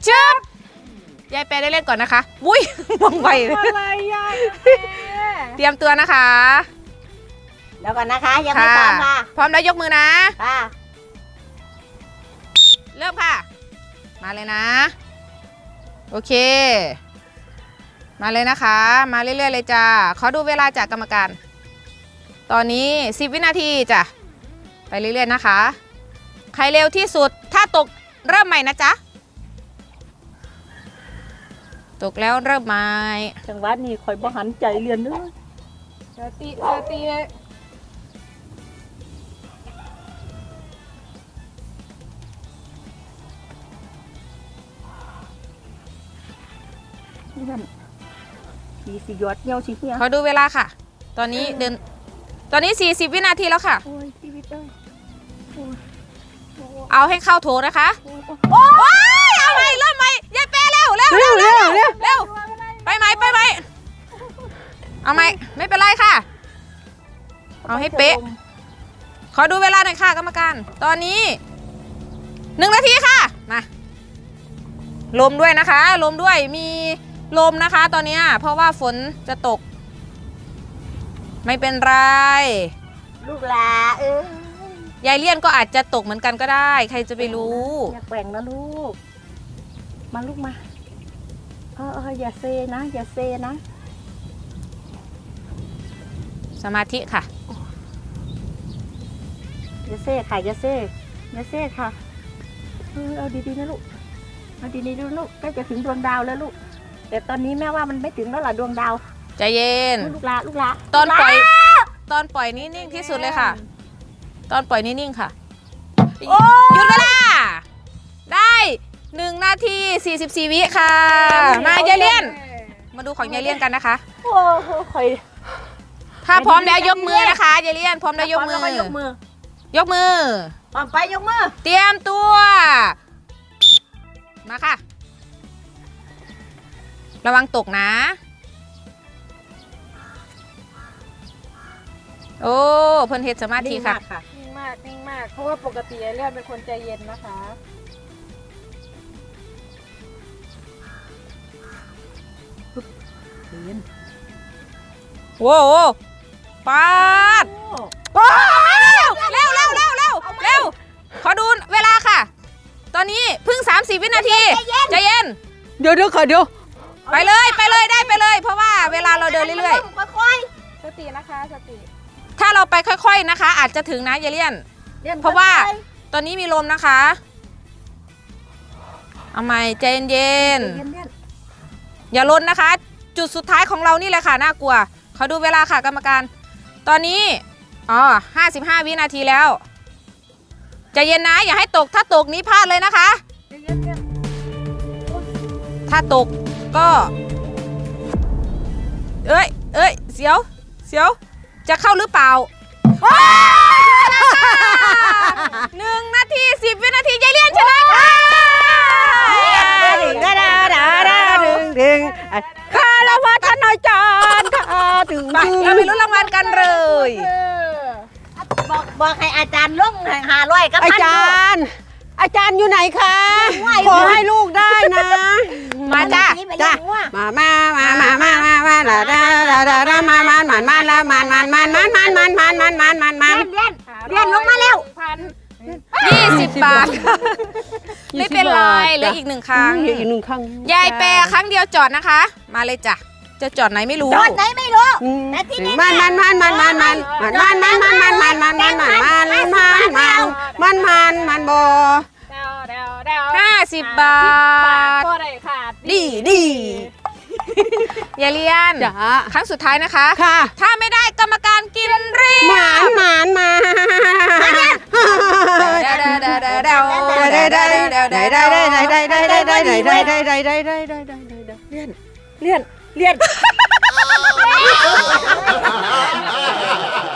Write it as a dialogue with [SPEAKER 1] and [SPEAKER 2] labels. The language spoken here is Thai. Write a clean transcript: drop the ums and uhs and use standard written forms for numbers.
[SPEAKER 1] ชึบยายแปรได้เล่นก่อนนะคะวุ้ยมองไป
[SPEAKER 2] อะไรยาย
[SPEAKER 1] เตรียมตัวนะคะ
[SPEAKER 2] เดี๋ยวก่อนนะคะยังไม่พร้อมค่ะ
[SPEAKER 1] พร้อมแล้วยกมือนะ
[SPEAKER 2] ค่ะ
[SPEAKER 1] เริ่มค่ะมาเลยนะโอเคมาเลยนะคะมาเรื่อยๆเลยจ้าขอดูเวลาจากกรรมการตอนนี้10วินาทีจ้ะไปเรื่อยๆนะคะใครเร็วที่สุดถ้าตกเริ่มใหม่นะจ๊ะตกแล้วเริ่มใหม่
[SPEAKER 2] จังหวัดนี้คอยบ่หันใจเรียนด้วย
[SPEAKER 1] สติ
[SPEAKER 2] สีหยอดเยี่ยวสีเหี้ย
[SPEAKER 1] เขาดูเวลาค่ะตอนนี้40วินาทีแล้วค่ะเอาให้เข้าโถนะคะโอ้ยเอาใหม่เริ่มใหม่ยายแปรเร็วไปไหมเอาไหมไม่เป็นไรค่ะเอาให้เป๊ะขอดูเวลาหน่อยค่ะกรรมการตอนนี้1 นาทีค่ะมาลมด้วยนะคะลมด้วยมีลมนะคะตอนนี้เพราะว่าฝนจะตกไม่เป็นไร
[SPEAKER 2] ลูกหลาย
[SPEAKER 1] ายเลี่ยนก็อาจจะตกเหมือนกันก็ได้ใครจะไปรู้
[SPEAKER 2] อย่าแกว่งนะลูกมาลูกมาอย่าเซนะอย่าเซนะ
[SPEAKER 1] สมาธิค่ะ
[SPEAKER 2] อย่าเซ่ค่ะอย่าเซ่ค่ะเอาดีๆนะลูกเอาดีๆดูลูกใกล้จะถึงดวงดาวแล้วลูกแต่ตอนนี้แม่ว่ามันไม่ถึงแล้วล่ะดวงดาว
[SPEAKER 1] ใจเย็น
[SPEAKER 2] ลูกละ
[SPEAKER 1] ตอนปล่อยนิ่งๆที่สุดเลยค่ะตอนปล่อยนิ่งๆค่ะหยุดเวลาได้1 นาที 44 วิค่ะมายายเลี่ยนมาดูของยายเลี่ยนกันนะคะ
[SPEAKER 2] โอ้โห
[SPEAKER 1] ถ้าพร้อมแล้วยกมือนะคะยายเลี่ยนพร้อมแล้วยกมือยกมือ
[SPEAKER 2] พร้อมไปยกมือ
[SPEAKER 1] เตรียมตัวมาค่ะระวังตกนะโอ้เพิ่นเฮ็ดสมาธิค่ะ
[SPEAKER 2] นิ่งมากเพราะว่าปกติไอ้เลี่ยนเป็นคนใจเย็นนะคะ
[SPEAKER 1] โว้ปาดเร็วขอดูเวลาค่ะตอนนี้เพิ่ง30 วินาทีใจเย็น
[SPEAKER 3] เดี๋ยวค่ะเดี๋ยว
[SPEAKER 1] ไปเลยได้ไปเลยเพราะว่าเวลาเราเดินเรื่อย
[SPEAKER 2] ๆสตินะคะสติ
[SPEAKER 1] ถ้าเราไปค่อยๆนะคะอาจจะถึงนะยายเลี่ยนเพราะว่าตอนนี้มีลมนะคะเอาใหม่ใจเย็นอย่าล้นนะคะจุดสุดท้ายของเรานี่แหละค่ะน่ากลัวขอดูเวลาค่ะกรรมการตอนนี้55 วินาทีแล้วใจเย็นนะอย่าให้ตกถ้าตกนี้พลาดเลยนะคะถ้าตกก็เอ้ยเสียวจะเข้าหรือเปล่า1 นาที 10 วินาทียายเลี่ยนชนะค่ะ
[SPEAKER 3] คาราวัฒนจารย์ค่ะถึง
[SPEAKER 1] เราไปลุ้นรางวัลกันเลย
[SPEAKER 2] บอกให้อาจารย์ลง500กับ
[SPEAKER 3] อาจารย์อยู่ไหนคะขอให้ลูกได้นะ
[SPEAKER 1] มาจ้า
[SPEAKER 3] มา
[SPEAKER 2] เรียนลงมาแล้ว
[SPEAKER 1] 20 บาทไม่เป็นไรเหลืออีก1 ครั้งยายแปรครั้งเดียวจอดนะคะมาเลยจ้ะจะจอดไหนไม่รู้
[SPEAKER 2] จอดไหนไม่รู้แต่ที่นี่
[SPEAKER 3] มันบอ
[SPEAKER 1] 50 บาทดียายเลี่ยนครั้งสุดท้ายนะคะถ้าไม่ได้กรรมการกินรี
[SPEAKER 3] หมานมา
[SPEAKER 2] เลี่ยน